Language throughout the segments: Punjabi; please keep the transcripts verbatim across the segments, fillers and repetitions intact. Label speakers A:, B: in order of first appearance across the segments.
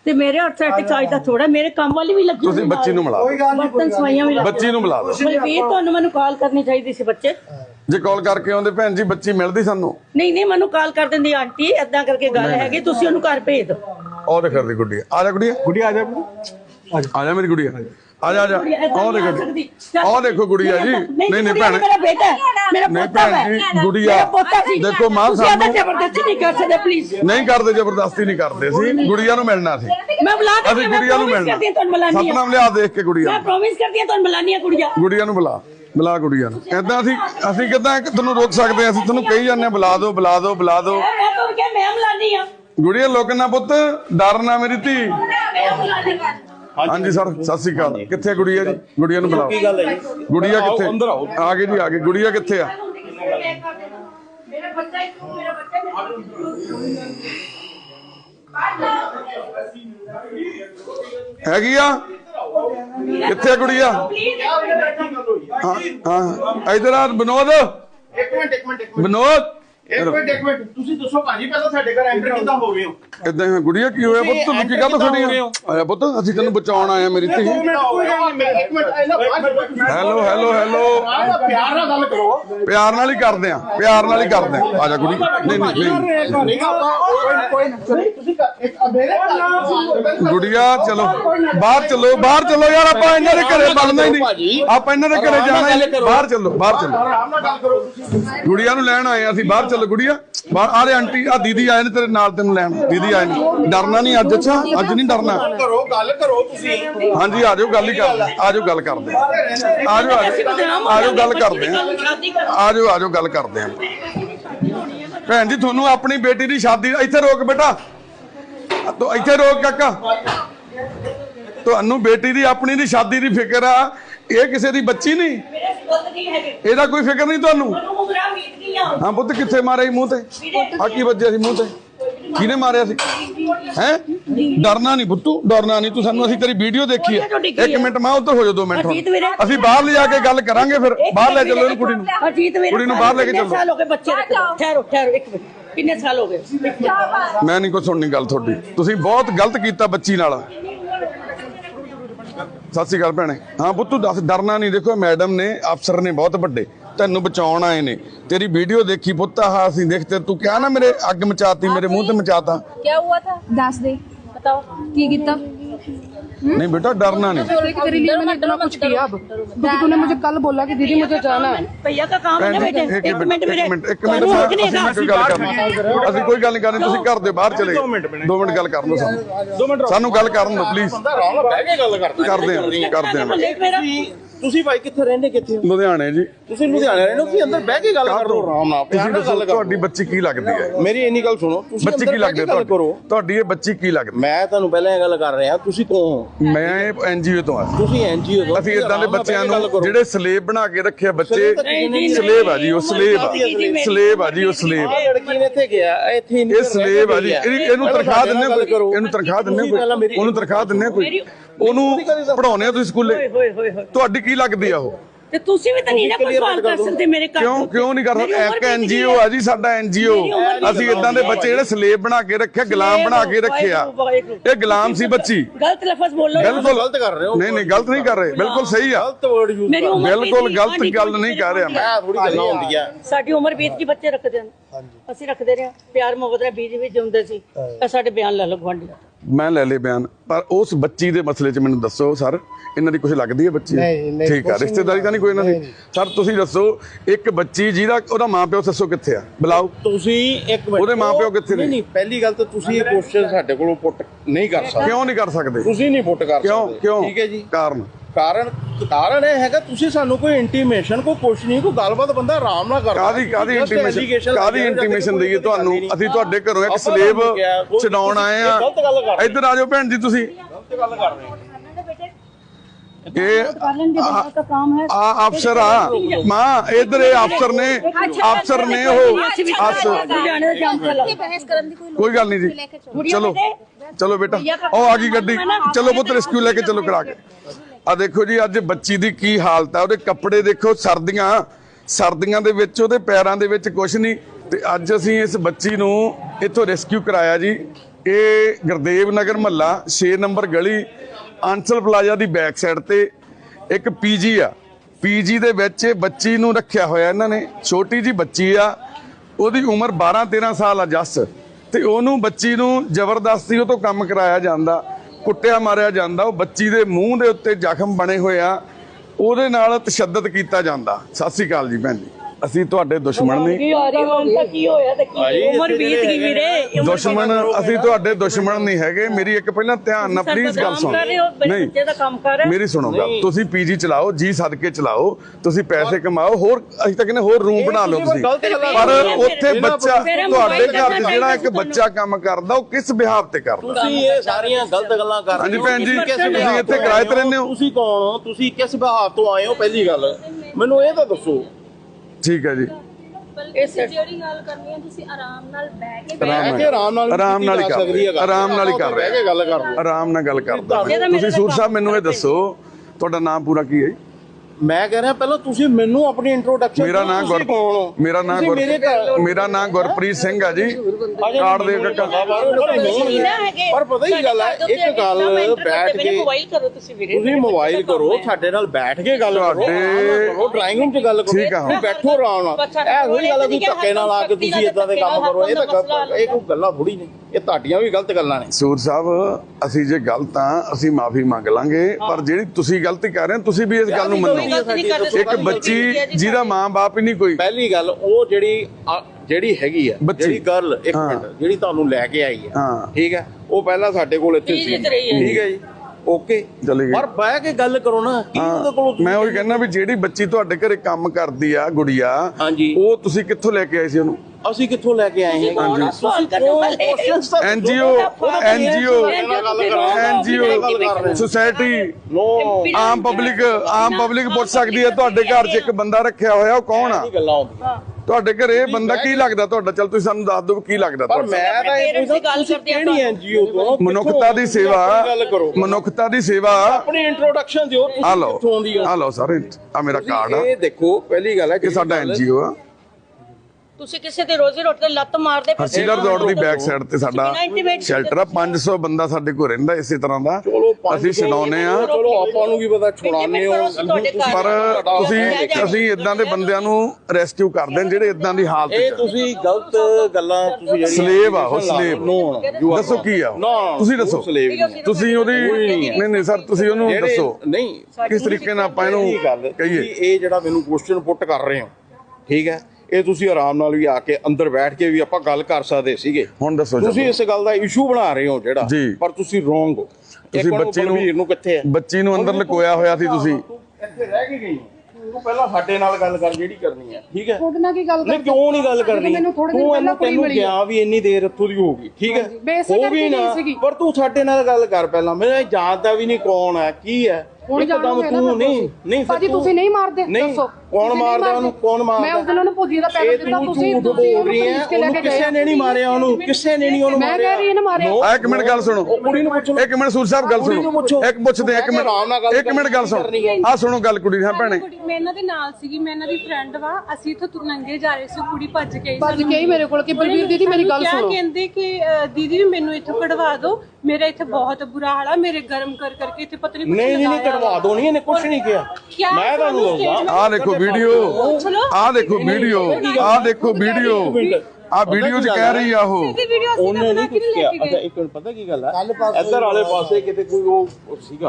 A: ਤੇ ਮੇਰੇ ਆਰਥਰਾਈਟਿਕ ਸਾਈਜ਼ ਦਾ ਥੋੜਾ ਮੇਰੇ ਕੰਮ ਵਾਲੀ ਵੀ ਲੱਗੀ
B: ਤੁਸੀਂ ਬੱਚੀ ਨੂੰ ਮਿਲਾ ਦਿਓ,
A: ਬਰਤਨ ਸਵਾਈਆਂ ਵੀ
B: ਬੱਚੀ ਨੂੰ ਮਿਲਾ ਦਿਓ।
A: ਬਲਵੀਰ ਤੁਹਾਨੂੰ ਮੈਨੂੰ ਕਾਲ ਕਰਨੀ ਚਾਹੀਦੀ ਸੀ ਬੱਚੇ
B: ਜੇ ਕਾਲ ਕਰਕੇ ਆਉਂਦੇ ਭੈਣ ਜੀ ਬੱਚੀ ਮਿਲਦੀ ਸਾਨੂੰ।
A: ਨਹੀਂ ਨਹੀਂ ਮੈਨੂੰ ਕਾਲ ਕਰ ਦਿੰਦੀ ਆਂਟੀ ਏਦਾਂ ਕਰਕੇ ਗੱਲ ਹੈਗੀ ਤੁਸੀਂ ਉਹਨੂੰ ਘਰ ਭੇਜ ਦਿਓ।
B: ਉਹ ਦੇਖ ਦੀ ਗੁੱਡੀ ਆ ਜਾ ਗੁੱਡੀ ਗੁੱਡੀ ਆ ਜਾ ਆ ਜਾ ਮੇਰੀ ਗੁੱਡੀ ਆ ਜਾ ਆ ਜਾ ਉਹ ਦੇਖੋ ਉਹ ਦੇਖੋ ਗੁੜੀਆ ਜੀ। ਨਹੀਂ ਨਹੀਂ ਭੈਣ
A: ਮੇਰਾ ਬੇਟਾ ਹੈ ਮੇਰਾ
B: ਨਹੀਂ
A: ਪੋਤਾ
B: ਭੈਣ
A: ਹੈ
B: ਜੀ ਗੁੜੀਆ ਦੇਖੋ ਮਾਂ ਸਾਨੂੰ
A: ਜ਼ਬਰਦਸਤੀ ਨਹੀਂ ਕਰ ਸਕਦੇ ਪਲੀਜ਼
B: ਨਹੀਂ ਕਰਦੇ ਜ਼ਬਰਦਸਤੀ ਨਹੀਂ ਕਰਦੇ ਸੀ ਗੁੜੀਆ ਨੂੰ ਮਿਲਣਾ ਸੀ
A: ਮੈਂ ਬੁਲਾ ਕੇ
B: ਅਸੀਂ ਗੁੜੀਆ ਨੂੰ ਮਿਲਣਾ ਸਤਨਾਮ ਲਿਆ ਦੇਖ ਕੇ ਗੁੜੀਆ
A: ਮੈਂ ਪ੍ਰੋਮਿਸ ਕਰਦੀ ਹਾਂ ਤੁਹਾਨੂੰ ਮਿਲਾਨੀ ਆ ਗੁੜੀਆ
B: ਗੁੜੀਆ ਨੂੰ ਬੁਲਾ ਬੁਲਾ ਗੁੜੀਆ ਨੂੰ ਏਦਾਂ ਅਸੀਂ ਅਸੀਂ ਕਿੱਦਾਂ ਤੁਹਾਨੂੰ ਰੋਕ ਸਕਦੇ ਹਾਂ ਅਸੀਂ ਤੁਹਾਨੂੰ ਕਹੀ ਜਾਂਦੇ ਬੁਲਾ ਦਿਓ ਬੁਲਾ ਦਿਓ ਬੁਲਾ ਦਿਓ
A: ਮੈਂ ਤਾਂ ਕਿਹਾ ਮੈਂ ਮਿਲਾਨੀ ਆ
B: ਗੁੜੀਆ ਲੋਕਨਾ ਪੁੱਤ ਡਰ ਨਾ ਮੇਰੀ ਧੀ। ਹਾਂਜੀ ਸਰ ਸਤਿ ਸ਼੍ਰੀ ਅਕਾਲ ਕਿੱਥੇ ਗੁੜੀਆ ਜੀ ਗੁੜੀਆ ਨੂੰ ਬੁਲਾਓ।
C: ਕੀ ਗੱਲ ਹੈ ਜੀ
B: ਗੁੜੀਆ ਕਿੱਥੇ
C: ਅੰਦਰ ਆਓ
B: ਆ ਗਏ ਜੀ ਆ ਗਏ ਗੁੜੀਆ ਕਿੱਥੇ ਆ
A: ਮੇਰਾ ਬੱਚਾ ਇੱਕ ਮੇਰਾ ਬੱਚਾ
B: ਹੈਗੀ ਆ ਕਿੱਥੇ ਆ ਗੁੜੀਆ ਹਾਂ ਹਾਂ ਇਧਰ ਆ ਵਿਨੋਦ
C: ਇੱਕ ਮਿੰਟ ਇੱਕ ਮਿੰਟ ਇੱਕ ਮਿੰਟ
B: ਵਿਨੋਦ
C: ਇੱਕ ਮਿੰਟ ਇੱਕ ਮਿੰਟ ਤੁਸੀਂ ਦੱਸੋ ਭਾਜੀ ਪਹਿਲਾਂ ਸਾਡੇ ਘਰ ਐਂਟਰ ਕਿੱਦਾਂ ਹੋ ਗਏ ਹੋ?
B: ਇਦਾਂ ਗੁੜੀਆ ਕੀ ਹੋਇਆ ਪੁੱਤ ਤੂੰ ਕੀ ਗੱਲ ਖੜੀ ਆ ਆਇਆ ਪੁੱਤ ਅਸੀਂ ਤੈਨੂੰ ਬਚਾਉਣ ਆਏ ਆ ਮੇਰੀ ਧੀ।
C: ਇੱਕ ਮਿੰਟ ਕੋਈ ਗੱਲ ਨਹੀਂ ਇੱਕ ਮਿੰਟ ਇਹਨਾਂ ਬਾਅਦ
B: ਹੈਲੋ ਹੈਲੋ ਹੈਲੋ
C: ਪਿਆਰ ਨਾਲ ਗੱਲ ਕਰੋ।
B: ਪਿਆਰ ਨਾਲ ਹੀ ਕਰਦੇ ਆ ਪਿਆਰ ਨਾਲ ਹੀ ਕਰਦੇ ਆ ਆ ਜਾ ਕੁੜੀ ਨਹੀਂ ਨਹੀਂ ਨਹੀਂ
C: ਨਹੀਂ ਆਪਾਂ ਕੋਈ ਕੋਈ ਤੁਸੀਂ ਇੱਕ ਮੇਰੇ
B: ਗੁੜੀਆ ਚਲੋ ਬਾਹਰ ਚਲੋ ਬਾਹਰ ਚਲੋ ਯਾਰ ਆਪਾਂ ਇਹਨਾਂ ਦੇ ਘਰੇ ਬਣਨਾ ਹੀ ਨਹੀਂ ਆਪਾਂ ਇਹਨਾਂ ਦੇ ਘਰੇ ਜਾਣਾ ਹੀ ਨਹੀਂ ਬਾਹਰ ਚਲੋ ਬਾਹਰ ਚਲੋ
C: ਆਰਾਮ ਨਾਲ ਗੱਲ ਕਰੋ ਤੁਸੀਂ।
B: ਗੁੜੀਆ ਨੂੰ ਲੈਣ ਆਏ ਅਸੀਂ ਬਾਹਰ ਚਲੋ ਗੁੜੀਆ ਬਾਹਰ ਆਰੇ ਆਂਟੀ ਆ ਦੀਦੀ ਆਏ ਨੇ ਤੇਰੇ ਨਾਲ ਤੈਨੂੰ ਲੈਣ ਦੀਦੀ ਆਏ ਨੇ ਡਰਨਾ ਨਹੀਂ ਅੱਜ ਅੱਛਾ ਅੱਜ ਨਹੀਂ ਡਰਨਾ
C: ਕਰੋ ਗੱਲ ਕਰੋ ਤੁਸੀਂ।
B: ਹਾਂਜੀ ਆ ਜਾਓ ਗੱਲ ਹੀ ਕਰਦੇ ਆ ਜਾਓ ਗੱਲ ਕਰਦੇ ਆ ਆ ਜਾਓ ਆ ਜਾਓ ਗੱਲ ਕਰਦੇ ਆ ਆ ਜਾਓ ਆ ਜਾਓ ਗੱਲ ਕਰਦੇ ਆ ਭੈਣ ਜੀ ਤੁਹਾਨੂੰ ਆਪਣੀ ਬੇਟੀ ਦੀ ਸ਼ਾਦੀ ਇੱਥੇ ਰੋਕ ਬੇਟਾ ਤੂੰ ਇੱਥੇ ਰੋਕ ਕਾਕਾ ਤੁਹਾਨੂੰ ਬੇਟੀ ਦੀ ਆਪਣੀ ਦੀ ਸ਼ਾਦੀ ਦੀ ਫਿਕਰ ਆ ਇਹ ਕਿਸੇ ਦੀ ਬੱਚੀ ਨਹੀਂ ਇਹਦਾ ਕੋਈ ਫਿਕਰ ਨਹੀਂ ਤੁਹਾਨੂੰ। ਹਾਂ ਪੁੱਤ ਕਿੱਥੇ ਮਾਰਿਆ ਮੂੰਹ ਤੇ ਆ ਕੀ ਵੱਜਿਆ ਸੀ ਮੂੰਹ ਤੇ ਕਿਹਨੇ ਮਾਰਿਆ ਸੀ ਹੈ ਡਰਨਾ ਨਹੀਂ ਪੁੱਤੂ ਡਰਨਾ ਨਹੀਂ ਤੂੰ ਸਾਨੂੰ ਅਸੀਂ ਤੇਰੀ ਵੀਡੀਓ ਦੇਖੀ ਹੈ ਇੱਕ ਮਿੰਟ ਮੈਂ ਉੱਧਰ ਹੋ ਜਾ ਦੋ ਮਿੰਟ ਅਸੀਂ ਬਾਹਰ ਲਿਜਾ ਕੇ ਗੱਲ ਕਰਾਂਗੇ ਫਿਰ ਬਾਹਰ ਲੈ ਚੱਲੋ ਇਹਨੂੰ ਕੁੜੀ ਨੂੰ ਕੁੜੀ ਨੂੰ ਬਾਹਰ ਲੈ ਕੇ ਚੱਲੋ।
A: ਸਾਲ ਹੋ ਗਏ ਬੱਚੇ ਠਹਿਰੋ ਠਹਿਰੋ ਇੱਕ ਮਿੰਟ ਕਿੰਨੇ ਸਾਲ ਹੋ ਗਏ
B: ਮੈਂ ਨਹੀਂ ਕੋਈ ਸੁਣਨੀ ਗੱਲ ਤੁਹਾਡੀ ਤੁਸੀਂ ਬਹੁਤ ਗਲਤ ਕੀਤਾ ਬੱਚੀ ਨਾਲ। ਸਤਿ ਸ਼੍ਰੀ ਅਕਾਲ ਭੈਣੇ ਹਾਂ ਪੁੱਤੂ ਦੱਸ ਡਰਨਾ ਨਹੀਂ ਦੇਖੋ ਮੈਡਮ ਨੇ ਅਫਸਰ ਨੇ ਬਹੁਤ ਵੱਡੇ ਤੈਨੂੰ ਬਚਾਉਣ ਆਏ ਨੇ ਤੇਰੀ ਵੀਡੀਓ ਦੇਖੀ ਪੁੱਤ ਆਹ ਅਸੀਂ ਦੇਖਤੇ ਤੂੰ ਕਿਹਾ ਨਾ ਮੇਰੇ ਅੱਗ ਮਚਾਤੀ ਮੇਰੇ ਮੂੰਹ ਤੇ ਮਚਾਤਾ
D: क्या हुआ था दस दे बताओ की कितना
B: नहीं बेटा डरना नहीं
D: तेरे लिए मैंने इतना कुछ किया अब क्योंकि तूने मुझे कल बोला कि दीदी मुझे जाना है
A: भैया का काम है ना बेटे
B: एक
A: एक मिनट
B: मिनट एक मिनट एक मिनट ਅਸੀਂ ਗੱਲ ਕਰਨੀ ਅਸੀਂ ਕੋਈ ਗੱਲ ਨਹੀਂ ਕਰਨੀ ਤੁਸੀਂ ਘਰ ਦੇ ਬਾਹਰ ਚਲੇ ਦੋ ਮਿੰਟ ਗੱਲ ਕਰਨ ਦਿਓ ਸਾਨੂੰ ਦੋ ਮਿੰਟ ਸਾਨੂੰ ਗੱਲ ਕਰਨ ਦਿਓ ਪਲੀਜ਼
C: ਆਰਾਮ ਨਾਲ ਬਹਿ ਕੇ ਗੱਲ ਕਰਦੇ
B: ਕਰਦੇ ਆ ਕਰਦੇ ਆ
C: ਤੁਸੀਂ ਭਾਈ ਕਿੱਥੇ ਰਹਿੰਦੇ ਕਿੱਥੇ ਹੋ?
B: ਲੁਧਿਆਣੇ ਜੀ
C: ਤੁਸੀਂ ਲੁਧਿਆਣੇ ਰਹਿੰਦੇ ਹੋ ਤੁਸੀਂ ਅੰਦਰ ਬਹਿ ਕੇ ਗੱਲ ਕਰੋ ਆਰਾਮ ਨਾਲ
B: ਤੁਸੀਂ ਦੱਸੋ ਤੁਹਾਡੀ ਬੱਚੀ ਕੀ ਲੱਗਦੀ ਹੈ
C: ਮੇਰੀ ਇੰਨੀ ਗੱਲ ਸੁਣੋ ਤੁਸੀਂ
B: ਬੱਚੀ ਕੀ ਲੱਗਦੀ ਹੈ ਤੁਹਾਡੀ ਇਹ ਬੱਚੀ ਕੀ ਲੱਗਦੀ
C: ਮੈਂ ਤੁਹਾਨੂੰ ਪਹਿਲਾਂ ਇਹ ਗੱਲ ਕਰ ਰਿਹਾ ਤੁਸੀਂ ਕੌਣ ਹੋ?
B: ਮੈਂ ਐਨਜੀਓ ਤੋਂ ਆ
C: ਤੁਸੀਂ ਐਨਜੀਓ ਤੋਂ
B: ਅਸੀਂ ਇਦਾਂ ਦੇ ਬੱਚਿਆਂ ਨੂੰ ਜਿਹੜੇ ਸਲੇਬ ਬਣਾ ਕੇ ਰੱਖਿਆ ਬੱਚੇ ਸਲੇਬ ਆ ਜੀ ਉਹ ਸਲੇਬ ਆ ਸਲੇਬ ਆ ਜੀ ਉਹ ਸਲੇਬ
C: ਇਹ ਲੜਕੀ ਨੇ ਇੱਥੇ ਗਿਆ ਇੱਥੇ
B: ਇਹ ਸਲੇਬ ਆ ਜੀ ਇਹਨੂੰ ਤਨਖਾਹ ਦਿੰਨੇ ਕੋਈ ਇਹਨੂੰ ਤਨਖਾਹ ਦਿੰਨੇ ਕੋਈ ਉਹਨੂੰ ਤਨਖਾਹ ਦਿੰਨੇ ਕੋਈ ਉਹਨੂੰ ਪੜਾਉਣੇ ਆ ਤੁਸੀਂ ਸਕੂਲੇ ਤੁਹਾਡੀ ਕੀ ਲੱਗਦੀ ਆ ਉਹ
A: ਤੇ ਤੁਸੀਂ ਵੀ ਤਾਂ ਨਹੀਂ ਨਾ ਕੰਟਰੋਲ ਕਰ ਸਕਦੇ ਮੇਰੇ ਘਰ
B: ਕਿਉਂ ਕਿਉਂ ਨਹੀਂ ਕਰ ਸਕਦੇ ਇੱਕ ਐਨਜੀਓ ਆ ਜੀ ਸਾਡਾ ਐਨਜੀਓ ਅਸੀਂ ਇਦਾਂ ਦੇ ਬੱਚੇ ਜਿਹੜੇ ਸਲੇਬ ਬਣਾ ਕੇ ਰੱਖਿਆ ਗੁਲਾਮ ਬਣਾ ਕੇ ਰੱਖਿਆ ਇਹ ਗੁਲਾਮ ਸੀ ਬੱਚੀ
A: ਗਲਤ ਲਫ਼ਜ਼ ਬੋਲੋ
B: ਬਿਲਕੁਲ
C: ਗਲਤ ਕਰ ਰਹੇ ਹੋ
B: ਨਹੀਂ ਨਹੀਂ ਗਲਤ ਨਹੀਂ ਕਰ ਰਹੇ ਬਿਲਕੁਲ ਸਹੀ ਆ
C: ਗਲਤ ਵਰਡ ਯੂਜ਼
A: ਮੇਰੀ ਉਮਰ
B: ਬਿਲਕੁਲ ਗਲਤ ਗੱਲ ਨਹੀਂ ਕਰ ਰਿਹਾ ਮੈਂ
C: ਥੋੜੀ ਗੱਲਾਂ ਹੁੰਦੀਆਂ
A: ਸਾਡੀ ਉਮਰ ਬੀਤ ਕੀ ਬੱਚੇ ਰੱਖਦੇ ਹਨ ਅਸੀਂ ਰੱਖਦੇ ਰਹੇ ਪਿਆਰ ਮੁਹੱਬਤ ਨਾਲ ਬੀਜ ਵੀ ਜਿਉਂਦੇ ਸੀ ਇਹ ਸਾਡੇ ਬਿਆਨ ਲੈ ਲਓ ਗਵਾਂਢੀ
B: ਮੈਂ ਲੈ ਲੇ ਬਿਆਨ ਪਰ ਉਸ ਬੱਚੀ ਦੇ ਮਸਲੇ 'ਚ ਮੈਨੂੰ ਦੱਸੋ ਸਰ ਇਹਨਾਂ ਦੀ ਕੁਝ ਲੱਗਦੀ ਹੈ ਬੱਚੀ ਠੀਕ ਆ ਰਿਸ਼ਤੇਦਾਰੀ ਤਾਂ ਨਹੀਂ ਕੋਈ ਇਹਨਾਂ ਦੀ ਸਰ ਤੁਸੀਂ ਦੱਸੋ ਇੱਕ ਬੱਚੀ ਜਿਹਦਾ ਉਹਦਾ ਮਾਂ ਪਿਓ ਦੱਸੋ ਕਿੱਥੇ ਆ ਬੁਲਾਓ
C: ਤੁਸੀਂ ਇੱਕ ਮਿੰਟ
B: ਉਹਦੇ ਮਾਂ ਪਿਓ ਕਿੱਥੇ ਨੇ
C: ਨਹੀਂ ਪਹਿਲੀ ਗੱਲ ਤਾਂ ਤੁਸੀਂ ਇਹ ਕੁਐਸਚਨ ਸਾਡੇ ਕੋਲੋਂ ਪੁੱਟ ਨਹੀਂ ਕਰ ਸਕਦੇ
B: ਕਿਉਂ ਨਹੀਂ ਕਰ ਸਕਦੇ
C: ਤੁਸੀਂ ਨਹੀਂ ਪੁੱਟ ਕਰ
B: ਕਿਉਂ
C: ਸਕਦੇ
B: ਕਿਉਂ
C: ਠੀਕ ਹੈ ਜੀ
B: ਕਾਰਨ
C: ਕਾਰਨ ਕਾਰਨ ਇਹ ਹੈਗਾ ਤੁਸੀਂ ਸਾਨੂੰ ਕੋਈ ਇੰਟੀਮੇਸ਼ਨ ਕੋਈ ਕੁਛ ਨਹੀਂ ਕੋਈ ਗੱਲਬਾਤ ਬੰਦਾ ਆਰਾਮ ਨਾਲ ਕਰਦਾ
B: ਕਾਦੀ ਕਾਦੀ ਇੰਟੀਮੇਸ਼ਨ ਕਾਦੀ ਇੰਟੀਮੇਸ਼ਨ ਦਈਏ ਤੁਹਾਨੂੰ ਅਸੀਂ ਤੁਹਾਡੇ ਘਰੋਂ ਇੱਕ ਸਲੇਬ ਛਡਾਉਣ ਆਏ ਆ ਇੱਧਰ ਆ ਜਾਓ ਭੈਣ ਜੀ ਤੁਸੀਂ
C: ਗਲਤ ਗੱਲ ਕਰ ਰਹੇ ਹੋ
B: ਇਹ ਆ ਅਫਸਰ ਆ ਮਾਂ ਇਧਰ ਇਹ ਅਫਸਰ ਨੇ ਅਫਸਰ ਨੇ ਉਹ ਕੋਈ ਗੱਲ ਨਹੀਂ ਜੀ ਚਲੋ ਚਲੋ ਬੇਟਾ ਉਹ ਆ ਗਈ ਗੱਡੀ ਚਲੋ ਪੁੱਤ ਰੈਸਕਿਊ ਲੈ ਕੇ ਚਲੋ ਕਰਾ ਕੇ ਆ ਦੇਖੋ ਜੀ ਅੱਜ ਬੱਚੀ ਦੀ ਕੀ ਹਾਲਤ ਆ ਉਹਦੇ ਕੱਪੜੇ ਦੇਖੋ ਸਰਦੀਆਂ ਸਰਦੀਆਂ ਦੇ ਵਿੱਚ ਉਹਦੇ ਪੈਰਾਂ ਦੇ ਵਿੱਚ ਕੁਝ ਨਹੀਂ ਤੇ ਅੱਜ ਅਸੀਂ ਇਸ ਬੱਚੀ ਨੂੰ ਇੱਥੋਂ ਰੈਸਕਿਊ ਕਰਾਇਆ ਜੀ ਇਹ ਗੁਰਦੇਵ ਨਗਰ ਮਹੱਲਾ ਛੇ ਨੰਬਰ ਗਲੀ ਆਂਚਲ ਪਲਾਜ਼ਾ ਦੀ ਬੈਕ ਸਾਈਡ ਤੇ ਇੱਕ ਪੀਜੀ ਆ। ਪੀਜੀ ਦੇ ਵਿੱਚ ਬੱਚੀ ਨੂੰ ਰੱਖਿਆ ਹੋਇਆ ਇਹਨਾਂ ਨੇ। ਛੋਟੀ ਜੀ ਬੱਚੀ ਆ, ਉਹਦੀ ਉਮਰ ਬਾਰਾਂ ਤੇਰਾਂ ਸਾਲ ਆ ਜੱਸ, ਤੇ ਉਹਨੂੰ ਬੱਚੀ ਨੂੰ ਜ਼ਬਰਦਸਤੀ ਉਹ ਤੋਂ ਕੰਮ ਕਰਾਇਆ ਜਾਂਦਾ, ਕੁੱਟਿਆ ਮਾਰਿਆ ਜਾਂਦਾ। ਉਹ ਬੱਚੀ ਦੇ ਮੂੰਹ ਦੇ ਉੱਤੇ ਜ਼ਖਮ ਬਣੇ ਹੋਏ ਆ, ਉਹਦੇ ਨਾਲ ਤਸ਼ੱਦਦ ਕੀਤਾ ਜਾਂਦਾ। ਸਤਿ ਸ੍ਰੀ ਅਕਾਲ ਜੀ ਭੈਣ ਜੀ, ਅਸੀਂ ਤੁਹਾਡੇ ਦੁਸ਼ਮਣ ਨਹੀਂ।
A: ਕੀ ਆ ਰਹੀ ਹੁਣ ਤਾਂ ਕੀ ਹੋਇਆ ਤੇ ਕੀ ਉਮਰ ਬੀਤ ਗਈ ਵੀਰੇ।
B: ਦੁਸ਼ਮਣ ਅਸੀਂ ਤੁਹਾਡੇ ਦੁਸ਼ਮਣ ਨਹੀਂ ਹੈਗੇ। ਮੇਰੀ ਇੱਕ ਪਹਿਲਾਂ ਧਿਆਨ ਨਾਲ ਪਲੀਜ਼ ਗੱਲ ਸੁਣੋ।
A: ਨਹੀਂ ਬੱਚੇ ਦਾ ਕੰਮ ਕਰ ਰਹੇ
B: ਮੇਰੀ ਸੁਣੋ ਗੱਲ। ਤੁਸੀਂ ਪੀਜੀ ਚਲਾਓ, ਜੀ ਸਦਕੇ ਚਲਾਓ, ਤੁਸੀਂ ਪੈਸੇ ਕਮਾਓ, ਹੋਰ ਅਸੀਂ ਤਾਂ ਕਹਿੰਦੇ ਹੋਰ ਰੂਮ ਬਣਾ ਲਓ ਤੁਸੀਂ। ਪਰ ਉੱਥੇ ਬੱਚਾ ਤੁਹਾਡੇ ਘਰ 'ਚ ਜਿਹੜਾ ਇੱਕ ਬੱਚਾ ਕੰਮ ਕਰਦਾ, ਉਹ ਕਿਸ ਬਿਹਾਵ ਤੇ ਕਰਦਾ?
C: ਤੁਸੀਂ ਇਹ ਸਾਰੀਆਂ ਗਲਤ ਗੱਲਾਂ ਕਰ ਰਹੇ ਹੋ।
B: ਹਾਂਜੀ ਭੈਣ ਜੀ, ਤੁਸੀਂ ਇੱਥੇ ਕਿਰਾਏ ਤੇ ਰਹਿੰਦੇ ਹੋ?
C: ਤੁਸੀਂ ਕੌਣ ਹੋ? ਤੁਸੀਂ ਕਿਸ ਬਿਹਾਵ ਤੋਂ ਆਏ ਹੋ? ਪਹਿਲੀ ਗੱਲ ਮੈਨੂੰ ਇਹ ਤਾਂ ਦੱਸੋ।
B: ਠੀਕ ਹੈ ਜੀ,
E: ਇਸ ਜਿਹੜੀ ਗੱਲ ਕਰਨੀ ਹੈ ਤੁਸੀਂ ਆਰਾਮ ਨਾਲ ਬਹਿ ਕੇ
C: ਬਹਿ ਕੇ ਆਰਾਮ ਨਾਲ
B: ਆਰਾਮ ਨਾਲ ਹੀ ਕਰ ਰਹੇ, ਆਰਾਮ ਨਾਲ ਹੀ ਕਰ
C: ਬਹਿ ਕੇ ਗੱਲ ਕਰ ਰਹੇ।
B: ਆਰਾਮ ਨਾਲ ਗੱਲ ਕਰਦਾ। ਤੁਸੀਂ ਸੂਰ ਸਾਹਿਬ ਮੈਨੂੰ ਇਹ ਦੱਸੋ, ਤੁਹਾਡਾ ਨਾਮ ਪੂਰਾ ਕੀ ਹੈ?
C: ਮੈਂ ਕਹਿ ਰਿਹਾ ਪਹਿਲਾਂ ਤੁਸੀਂ ਮੈਨੂੰ ਆਪਣੀ ਇੰਟਰੋਡਕਸ਼ਨ।
B: ਮੇਰਾ ਨਾਮ ਗੁਰ ਮੇਰਾ ਨਾਮ ਗੁਰ ਮੇਰਾ ਨਾਮ ਗੁਰਪ੍ਰੀਤ ਸਿੰਘ ਆ ਜੀ। ਕਾਰਡ ਦੇ
C: ਪਰ ਪਤਾ ਹੀ ਗੱਲ ਹੈ, ਇੱਕ ਗੱਲ ਬੈਠ ਕੇ
A: ਮੋਬਾਈਲ ਕਰੋ ਤੁਸੀਂ ਵੀਰੇ।
C: ਤੁਸੀਂ ਮੋਬਾਈਲ ਕਰੋ, ਸਾਡੇ ਨਾਲ ਬੈਠ ਕੇ ਗੱਲ ਕਰੋ, ਡਰਾਇੰਗ ਰੂਮ 'ਚ ਗੱਲ ਕਰੋ।
B: ਠੀਕ ਆ, ਹਾਂ।
C: ਬੈਠੋ ਆਰਾਮ ਨਾਲ। ਇਹ ਥੋੜੀ ਗੱਲ ਹੈ ਕਿ ਧੱਕੇ ਨਾਲ ਆ ਕੇ ਤੁਸੀਂ ਇਦਾਂ ਦੇ ਕੰਮ ਕਰੋ। ਇਹ ਤਾਂ ਇਹ ਕੋਈ ਗੱਲਾਂ ਥੋੜੀ ਨੇ, ਇਹ ਤੁਹਾਡੀਆਂ ਵੀ ਗਲਤ ਗੱਲਾਂ ਨੇ।
B: ਸੂਰ ਸਾਹਿਬ, ਅਸੀਂ ਜੇ ਗਲਤ ਆ ਅਸੀਂ ਮਾਫੀ ਮੰਗ ਲਾਂਗੇ, ਪਰ ਜਿਹੜੀ ਤੁਸੀਂ ਗਲਤੀ ਕਰ ਰਹੇ ਹੋ ਤੁਸੀਂ ਵੀ ਇਸ ਗੱਲ ਨੂੰ ਮੰਨੋ। ਇੱਕ ਬੱਚੀ ਜਿਹਦਾ ਮਾਂ ਬਾਪ ਹੀ ਨਹੀਂ ਕੋਈ।
C: ਪਹਿਲੀ ਗੱਲ ਉਹ ਜਿਹੜੀ ਜਿਹੜੀ ਹੈਗੀ ਆ,
B: ਬੱਚੀ।
C: ਜਿਹੜੀ ਗਰਲ ਇੱਕ ਮਿੰਟ ਜਿਹੜੀ ਤੁਹਾਨੂੰ ਲੈ ਕੇ ਆਈ ਹੈ,
B: ਹਾਂ।
C: ਠੀਕ ਹੈ, ਉਹ ਪਹਿਲਾਂ ਸਾਡੇ ਕੋਲ ਇੱਥੇ ਸੀ, ਠੀਕ ਹੈ ਜੀ, ਓਕੇ,
B: ਚਲੇ ਗਏ।
C: ਪਰ ਬਹਿ ਕੇ ਗੱਲ ਕਰੋ ਨਾ। ਕੀ ਉਹਦੇ ਕੋਲੋਂ
B: ਮੈਂ ਉਹੀ ਕਹਿੰਦਾ ਵੀ ਜਿਹੜੀ ਬੱਚੀ ਤੁਹਾਡੇ ਘਰੇ ਕੰਮ ਕਰਦੀ ਆ, ਗੁੜੀਆ,
C: ਹਾਂਜੀ,
B: ਉਹ ਤੁਸੀਂ ਕਿੱਥੋਂ ਲੈ ਕੇ ਆਏ ਸੀ ਉਹਨੂੰ?
C: ਅਸੀਂ ਕਿੱਥੋਂ ਲੈ ਕੇ ਆਏ ਹਾਂ?
B: ਐਨਜੀਓ ਐਨਜੀਓ ਐਨਜੀਓ ਸੁਸਾਇਟੀ ਆਮ ਪਬਲਿਕ ਆਮ ਪਬਲਿਕ ਪੁੱਛ ਸਕਦੀ ਹੈ ਤੁਹਾਡੇ ਘਰ 'ਚ ਇੱਕ ਬੰਦਾ ਰੱਖਿਆ ਹੋਇਆ, ਉਹ ਕੌਣ ਆ?
C: ਗੱਲਾਂ ਹੁੰਦੀਆਂ
B: ਤੁਹਾਡੇ ਘਰੇ ਇਹ ਬੰਦਾ ਕੀ ਲੱਗਦਾ ਤੁਹਾਡਾ? ਚਲ ਤੁਸੀਂ ਸਾਨੂੰ ਦੱਸ ਦਿਓ ਕੀ ਲੱਗਦਾ
C: ਪਰ
B: ਤੁਹਾਡਾ।
C: ਮੈਂ ਤਾਂ ਇਹ ਪੁੱਛਦਾ ਤੁਸੀਂ ਕਿਹੜੀ ਐਨਜੀਓ ਤੋਂ?
B: ਮਨੁੱਖਤਾ ਦੀ ਸੇਵਾ, ਮਨੁੱਖਤਾ ਦੀ ਸੇਵਾ।
C: ਆਪਣੀ ਇੰਟਰੋਡਕਸ਼ਨ ਦਿਓ।
B: ਆ ਲਓ ਆ ਲਓ ਸਰ, ਆ ਮੇਰਾ ਕਾਰਡ ਆ।
C: ਇਹ ਦੇਖੋ, ਪਹਿਲੀ ਗੱਲ ਹੈ
B: ਕਿ ਸਾਡਾ ਐਨਜੀਓ ਆ।
A: ਤੁਸੀਂ ਕਿਸੇ ਦੇ ਰੋਜ਼ੀ ਰੋਟੀ ਤੇ ਲੱਤ ਮਾਰਦੇ ਪਏ।
B: ਹਰਸੀਲਰ ਰੋਡ ਦੀ ਬੈਕ ਸਾਈਡ ਤੇ ਸਾਡਾ ਸ਼ੈਲਟਰ ਆ। ਪੰਜ ਸੌ ਬੰਦਾ ਸਾਡੇ ਕੋਲ ਰਹਿੰਦਾ ਇਸੇ ਤਰ੍ਹਾਂ ਦਾ। ਅਸੀਂ ਛਡਾਉਨੇ ਆ।
C: ਚਲੋ ਆਪਾਂ ਨੂੰ ਕੀ ਪਤਾ ਛੁਡਾਉਂਦੇ ਹੋ,
B: ਪਰ ਤੁਸੀਂ ਅਸੀਂ ਇਦਾਂ ਦੇ ਬੰਦਿਆਂ ਨੂੰ ਰੈਸਕਿਊ ਕਰਦੇ ਹਾਂ ਜਿਹੜੇ ਇਦਾਂ ਦੀ ਹਾਲਤ
C: ਇਹ
B: 'ਚ।
C: ਤੁਸੀਂ ਗਲਤ ਗੱਲਾਂ ਤੁਸੀਂ ਜਿਹੜੀਆਂ
B: ਸਲੇਵ ਆ ਉਹ, ਸਲੇਵ। ਦੱਸੋ ਕੀ ਆ ਉਹ? ਤੁਸੀਂ ਦੱਸੋ। ਤੁਸੀਂ ਉਹਦੀ ਨਹੀਂ ਨਹੀਂ ਸਰ, ਤੁਸੀਂ ਉਹਨੂੰ ਦੱਸੋ
C: ਨਹੀਂ
B: ਕਿਸ ਤਰੀਕੇ ਨਾਲ ਆਪਾਂ ਇਹਨੂੰ ਕਹੀਏ।
C: ਇਹ ਜਿਹੜਾ ਮੈਨੂੰ ਕੁਐਸਚਨ ਪੁੱਟ ਕਰ ਰਹੇ ਹੋ, ਠੀਕ ਹੈ, ਇਹ ਤੁਸੀਂ ਆਰਾਮ ਨਾਲ ਵੀ ਆ ਕੇ ਅੰਦਰ ਬੈਠ ਕੇ ਵੀ ਆਪਾਂ ਗੱਲ ਕਰ ਸਕਦੇ ਸੀਗੇ।
B: ਹੁਣ ਦੱਸੋ
C: ਤੁਸੀਂ ਇਸ ਗੱਲ ਦਾ ਇਸ਼ੂ ਬਣਾ ਰਹੇ ਹੋ ਜਿਹੜਾ, ਪਰ ਤੁਸੀਂ ਰੋਂਗ ਹੋ।
B: ਤੁਸੀਂ ਬੱਚੇ ਨੂੰ
C: ਕਿੱਥੇ ਹੈ?
B: ਬੱਚੀ ਨੂੰ ਅੰਦਰ ਲੁਕੋਇਆ ਹੋਇਆ ਸੀ ਤੁਸੀਂ।
C: ਇੱਥੇ ਰਹਿ ਕੇ ਗਈ ਤੂੰ ਪਹਿਲਾਂ ਸਾਡੇ ਨਾਲ ਗੱਲ ਕਰ ਜਿਹੜੀ ਕਰਨੀ ਹੈ, ਠੀਕ ਹੈ?
D: ਤੁਹਾਡੇ ਨਾਲ ਕੀ ਗੱਲ
C: ਨਹੀਂ, ਕਿਉਂ ਨਹੀਂ ਗੱਲ ਕਰਨੀ? ਤੂੰ ਇਹਨੂੰ ਤੈਨੂੰ ਗਿਆ ਵੀ ਇੰਨੀ ਦੇਰ ਇੱਥੋਂ ਦੀ ਹੋ ਗਈ, ਠੀਕ ਹੈ, ਹੋ ਗਈ ਨਾ, ਪਰ ਤੂੰ ਸਾਡੇ ਨਾਲ ਗੱਲ ਕਰ ਪਹਿਲਾਂ। ਮੈਂ ਜਾਣਦਾ ਵੀ ਨਹੀਂ ਕੌਣ ਹੈ ਕੀ ਹੈ। ਇੱਕਦਮ ਤੂੰ ਨਹੀਂ ਨਹੀਂ
D: ਭਾਜੀ ਤੁਸੀਂ ਨਹੀਂ ਮਾਰਦੇ, ਦੱਸੋ
C: ਕੌਣ ਮਾਰਦਾ ਉਹਨੂੰ? ਕੌਣ ਮਾਰਦਾ?
D: ਮੈਂ ਉਸ ਦਿਨ ਉਹਨੂੰ ਭੁਜੀ ਦਾ ਪੈਕੇਟ ਦਿੱਤਾ, ਤੁਸੀਂ
C: ਝੂਠ ਬੋਲ ਰਹੀ ਹੈ। ਉਹਨੂੰ ਕਿਸੇ ਨੇ ਨਹੀਂ ਮਾਰਿਆ, ਉਹਨੂੰ ਕਿਸੇ ਨੇ ਨਹੀਂ ਉਹਨੂੰ
D: ਮੈਂ ਕਹਿ ਰਹੀ ਇਹਨੇ ਮਾਰਿਆ।
B: ਆ ਇੱਕ ਮਿੰਟ ਗੱਲ ਸੁਣੋ,
C: ਕੁੜੀ ਨੂੰ ਪੁੱਛੋ।
B: ਇੱਕ ਮਿੰਟ ਸੂਰ ਸਾਹਿਬ ਗੱਲ ਸੁਣੋ, ਇੱਕ ਪੁੱਛਦੇ ਇੱਕ ਮਿੰਟ ਇੱਕ ਮਿੰਟ ਗੱਲ ਸੁਣੋ। ਆ ਸੁਣੋ ਗੱਲ ਕੁੜੀ ਦੀ। ਹਾਂ ਭੈਣੇ,
E: ਮੈਂ ਇਹਨਾਂ ਦੇ ਨਾਲ ਸੀਗੀ, ਮੈਂ ਇਹਨਾਂ ਦੀ ਫਰੈਂਡ ਵਾ। ਅਸੀਂ ਇੱਥੋਂ ਤੁਰਨੰਗੇ ਜਾ ਰਹੇ ਸੀ, ਕੁੜੀ ਭੱਜ ਕੇ ਆਈ।
D: ਭੱਜ ਕੇ ਆਈ ਮੇਰੇ ਕੋਲ ਕਿ ਬਲਵੀਰ ਦੀਦੀ ਮੇਰੀ ਗੱਲ ਸੁਣੋ।
E: ਕਹਿੰਦੇ ਕਿ ਦੀਦੀ ਮੈਨੂੰ ਇੱਥੋਂ ਕਢਵਾ ਦਿਓ, ਮੇਰਾ ਇੱਥੇ ਬਹੁਤ ਬੁਰਾ ਹਾਲ ਆ, ਮੇਰੇ ਗਰਮ ਕਰ ਕਰਕੇ ਇੱਥੇ ਪਤਾ ਨਹੀਂ ਕੁਝ
C: ਨਹੀਂ ਨਹੀਂ ਕਢਵਾ ਦੋ। ਨਹੀਂ ਇਹਨੇ ਕੁਝ ਨਹੀਂ ਕਿਹਾ। ਮੈਂ ਤੁਹਾਨੂੰ ਦੱਸਦਾ,
B: ਆ ਦੇਖੋ ਵੀਡੀਓ, ਆ ਦੇਖੋ ਵੀਡੀਓ, ਆ ਦੇਖੋ ਵੀਡੀਓ, ਆ ਵੀਡੀਓ 'ਚ ਕਹਿ ਰਹੀ ਆ ਉਹ।
C: ਉਹਨੇ ਨਹੀਂ ਕੁਝ ਕਿਹਾ। ਅੱਛਾ ਇੱਕ ਮਿੰਟ, ਪਤਾ ਕੀ ਗੱਲ ਹੈ, ਇੱਧਰ ਵਾਲੇ ਪਾਸੇ ਕਿਤੇ ਕੋਈ ਉਹ ਸੀਗਾ,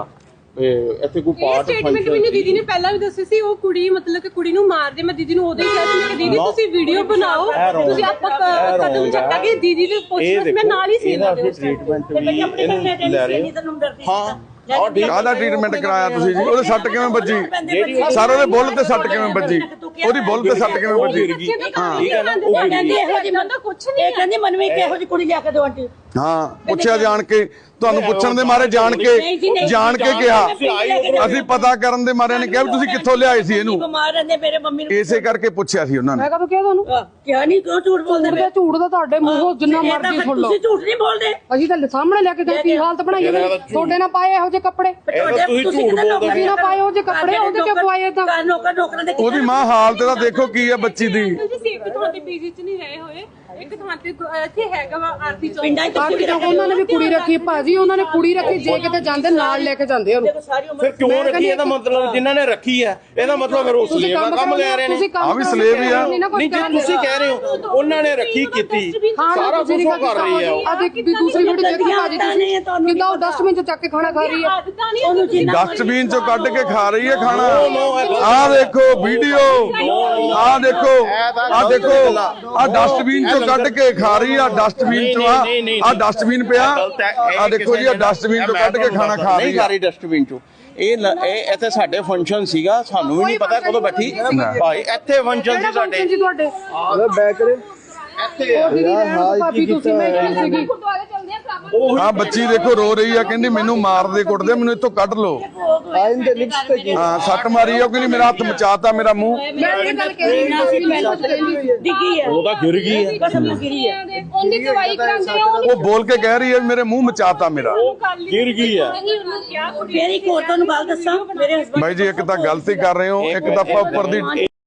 C: ਇੱਥੇ ਕੋਈ ਪਾਰਟ
E: ਸਟੇਟਮੈਂਟ ਮੈਨੂੰ ਦੀਦੀ ਨੇ ਪਹਿਲਾਂ ਵੀ ਦੱਸੀ ਸੀ। ਉਹ ਕੁੜੀ ਮਤਲਬ ਕਿ ਕੁੜੀ ਨੂੰ ਮਾਰਦੇ, ਮੈਂ ਦੀਦੀ ਨੂੰ ਉਦੋਂ ਹੀ ਕਿਹਾ ਸੀ ਕਿ ਦੀਦੀ ਤੁਸੀਂ ਵੀਡੀਓ ਬਣਾਓ, ਤੁਸੀਂ ਆਪਾਂ ਕਦਮ ਚੱਕਾਂਗੇ। ਦੀਦੀ ਦੇ ਪੁੱਛਣਾ ਮੈਂ ਨਾਲ ਹੀ ਸੀ ਇਹਨਾਂ ਦੇ
C: ਟ੍ਰੀਟਮੈਂਟ ਵੀ ਇਹਨੂੰ ਲੈ ਰਹੇ ਹਾਂ।
B: ਕਾਹਦਾ ਟ੍ਰੀਟਮੈਂਟ ਕਰਾਇਆ ਤੁਸੀਂ ਜੀ? ਉਹਦੇ ਸੱਟ ਕਿਵੇਂ ਵੱਜੀ? ਸਰ ਉਹਦੇ ਬੁੱਲ ਤੇ ਸੱਟ ਕਿਵੇਂ ਵੱਜੀ? ਉਹਦੀ ਬੁੱਲ ਤੇ ਸੱਟ ਕਿਵੇਂ ਵੱਜੀ?
E: ਹਾਂ ਠੀਕ ਹੈ ਨਾ, ਉਹ ਕਹਿੰਦੀ ਇਹੋ ਜਿਹੀ ਬੰਦਾ ਕੁਝ ਨਹੀਂ ਹੈ।
A: ਇਹ ਕਹਿੰਦੀ ਮਨਵੀ ਕਿਹੋ ਜਿਹੀ ਕੁੜੀ ਲਿਆ ਕੇ ਦਿਓ ਆਂਟੀ।
B: ਹਾਂ ਪੁੱਛਿਆ ਜਾਣ ਕੇ, ਤੁਹਾਨੂੰ ਪੁੱਛਣ ਦੇ ਮਾਰੇ ਜਾਣ ਕੇ ਜਾਣ ਕੇ ਕਿਹਾ। ਅਸੀਂ ਪਤਾ ਕਰਨ ਦੇ ਮਾਰੇ ਨੇ ਕਿਹਾ ਵੀ ਤੁਸੀਂ ਕਿੱਥੋਂ ਲਿਆਏ ਸੀ ਇਹਨੂੰ।
A: ਬਿਮਾਰ ਰਹਿੰਦੇ ਮੇਰੇ ਮੰਮੀ ਨੂੰ,
B: ਇਸੇ ਕਰਕੇ ਪੁੱਛਿਆ ਸੀ ਉਹਨਾਂ ਨੇ।
D: ਮੈਂ ਕਦੋਂ ਕਿਹਾ ਤੁਹਾਨੂੰ?
A: ਕਿਹਾ ਨਹੀਂ, ਕਿਉਂ ਝੂਠ ਬੋਲਦੇ?
D: ਝੂਠ ਦਾ ਝੂਠ ਦਾ ਤੁਹਾਡੇ ਮੂੰਹੋਂ ਜਿੰਨਾ ਮਰਜ਼ੀ ਸੁਣ ਲਓ।
A: ਤੁਸੀਂ ਝੂਠ ਨਹੀਂ ਬੋਲਦੇ।
D: ਅਸੀਂ ਤਾਂ ਸਾਹਮਣੇ ਲੈ ਕੇ ਗਏ, ਕੀ ਹਾਲਤ ਬਣਾਈ ਹੈ ਤੁਹਾਡੇ ਨਾਲ ਪਾਏ ਇਹੋ ਜਿਹੇ ਕੱਪੜੇ।
C: ਤੁਸੀਂ ਝੂਠ ਬੋਲਦੇ
D: ਤੁਸੀਂ ਨਾ ਪਾਏ ਉਹੋ ਜਿਹੇ ਕੱਪੜੇ, ਉਹਦੇ ਕਿਉਂ ਪਵਾਏ ਏਦਾਂ?
A: ਨੌਕਰ ਨੌਕਰਾਂ ਦੇ
B: ਉਹਦੀ ਮਾਂ ਹਾਲਤ ਦਾ ਦੇਖੋ ਕੀ ਹੈ ਬੱਚੀ ਦੀ।
E: ਤੁਸੀਂ ਇੱਕ ਥਾਂ ਤੇ ਪੀਜੀ ਚ ਨਹੀਂ ਰਹੇ ਹੋਏ, ਇੱਕ ਥਾਂ ਤੇ ਇੱਥੇ ਹੈਗਾ ਵਾ ਆਰਤੀ ਚੌਂਕ।
A: ਪਿੰਡਾਂ 'ਚ
D: ਬਾਕੀ ਤਾਂ ਉਹਨਾਂ ਨੇ ਵੀ ਕੁੜੀ ਰੱਖੀ ਭਾਜੀ, ਉਹਨਾਂ ਨੇ ਕੁੜੀ ਰੱਖੀ, ਜੇ ਕਿਤੇ ਜਾਂਦੇ ਨਾਲ ਲੈ ਕੇ ਜਾਂਦੇ ਉਹਨੂੰ।
A: ਸਾਰੀ ਉਮਰ
C: ਫਿਰ ਕਿਉਂ ਰੱਖੀ? ਇਹਦਾ ਮਤਲਬ ਜਿਨ੍ਹਾਂ ਨੇ ਰੱਖੀ ਹੈ ਇਹਦਾ ਮਤਲਬ ਫਿਰ ਉਹ ਸਲੇਵ ਦਾ ਕੰਮ ਲੈ ਰਹੇ ਨੇ।
B: ਆ ਵੀ ਸਲੇਵ ਹੀ ਆ।
C: ਨਹੀਂ ਜੇ ਤੁਸੀਂ ਕਹਿ ਰਹੇ ਹੋ ਉਹਨਾਂ ਨੇ ਰੱਖੀ ਕੀਤੀ, ਸਾਰਾ ਕੁਝ ਉਹ ਕਰ ਰਹੀ ਹੈ।
D: ਆ ਦੇਖ ਵੀ ਦੂਸਰੀ ਵੀਡੀਓ ਦੇਖੀ ਭਾਜੀ ਤੁਸੀਂ ਕਿੱਦਾਂ ਉਹ ਡਸਟਬਿਨ ਚ ਚੱਕ ਕੇ ਖਾਣਾ ਖਾ ਰਹੀ ਹੈ।
B: ਡਸਟਬਿਨ ਚੋਂ ਕੱਢ ਕੇ ਖਾ ਰਹੀ ਹੈ ਖਾਣਾ। ਆਹ ਦੇਖੋ ਵੀਡੀਓ, ਆਹ ਦੇਖੋ, ਆਹ ਦੇਖੋ, ਆਹ ਡਸਟਬਿਨ ਚੋਂ ਕੱਢ ਕੇ ਖਾ ਰਹੀ ਆ। ਡਸਟਬਿਨ ਚੋਂ ਆ ਆਹ ਡਸਟਬਿਨ ਪਿਆ, ਆਹ ਦੇਖੋ ਜੀ, ਆਹ ਡਸਟਬਿਨ ਚੋਂ ਕੱਢ ਕੇ ਖਾਣਾ ਖਾ ਰਹੀ
C: ਨਹੀਂ ਖਾ ਰਹੀ ਡਸਟਬਿਨ ਚੋਂ। ਇਹ ਇਹ ਇੱਥੇ ਸਾਡੇ ਫੰਕਸ਼ਨ ਸੀਗਾ, ਸਾਨੂੰ ਵੀ ਨਹੀਂ ਪਤਾ ਕਦੋਂ ਬੈਠੀ ਭਾਈ, ਇੱਥੇ ਫੰਕਸ਼ਨ ਸੀ ਸਾਡੇ।
D: ਜੀ ਤੁਹਾਡੇ
F: ਬੈਕ ਕਰੇ
C: ਇੱਥੇ
D: ਭਾਬੀ ਤੁਸੀਂ ਮੈਂ ਸੀਗੀ
B: ਆ ਬੱਚੀ ਦੇਖੋ ਰੋ ਰਹੀ ਆ, ਕਹਿੰਦੀ ਮੈਨੂੰ ਮਾਰਦੇ ਕੁੱਟਦੇ, ਮੈਨੂੰ ਇੱਥੋਂ ਕੱਢ ਲਓ।
F: ਆਇਨ ਦੇ ਲਿਪਸ ਤੇ ਕੀ
B: ਹਾਂ ਸੱਟ ਮਾਰੀ ਆ, ਉਹ ਕਹਿੰਦੀ ਮੇਰਾ ਹੱਥ ਮਚਾਤਾ, ਮੇਰਾ ਮੂੰਹ।
D: ਮੈਂ ਇਹ ਗੱਲ ਕਹਿ ਰਹੀ ਸੀ ਮੈਂ ਕੁਝ ਕਹਿੰਦੀ ਸੀ
A: ਡਿੱਗੀ ਹੈ,
C: ਉਹ ਤਾਂ ਗਿਰ ਗਈ ਹੈ।
A: ਬਸ ਅਮਲ ਗਿਰੀ ਹੈ।
E: ਉਹਦੀ ਦਵਾਈ ਕਰਾਉਂਦੇ ਆ
B: ਉਹ ਬੋਲ ਕੇ ਕਹਿ ਰਹੀ ਹੈ ਮੇਰੇ ਮੂੰਹ ਮਚਾਤਾ ਮੇਰਾ।
C: ਗਿਰ ਗਈ ਹੈ।
A: ਫੇਰ ਇੱਕ ਹੋਰ ਤੁਹਾਨੂੰ ਗੱਲ ਦੱਸਾਂ, ਮੇਰੇ ਹਸਬੰਦ
B: ਬਾਈ ਜੀ ਇੱਕ ਤਾਂ ਗਲਤੀ ਕਰ ਰਹੇ ਹੋ, ਇੱਕ ਦਫਾ ਉੱਪਰ ਦੀ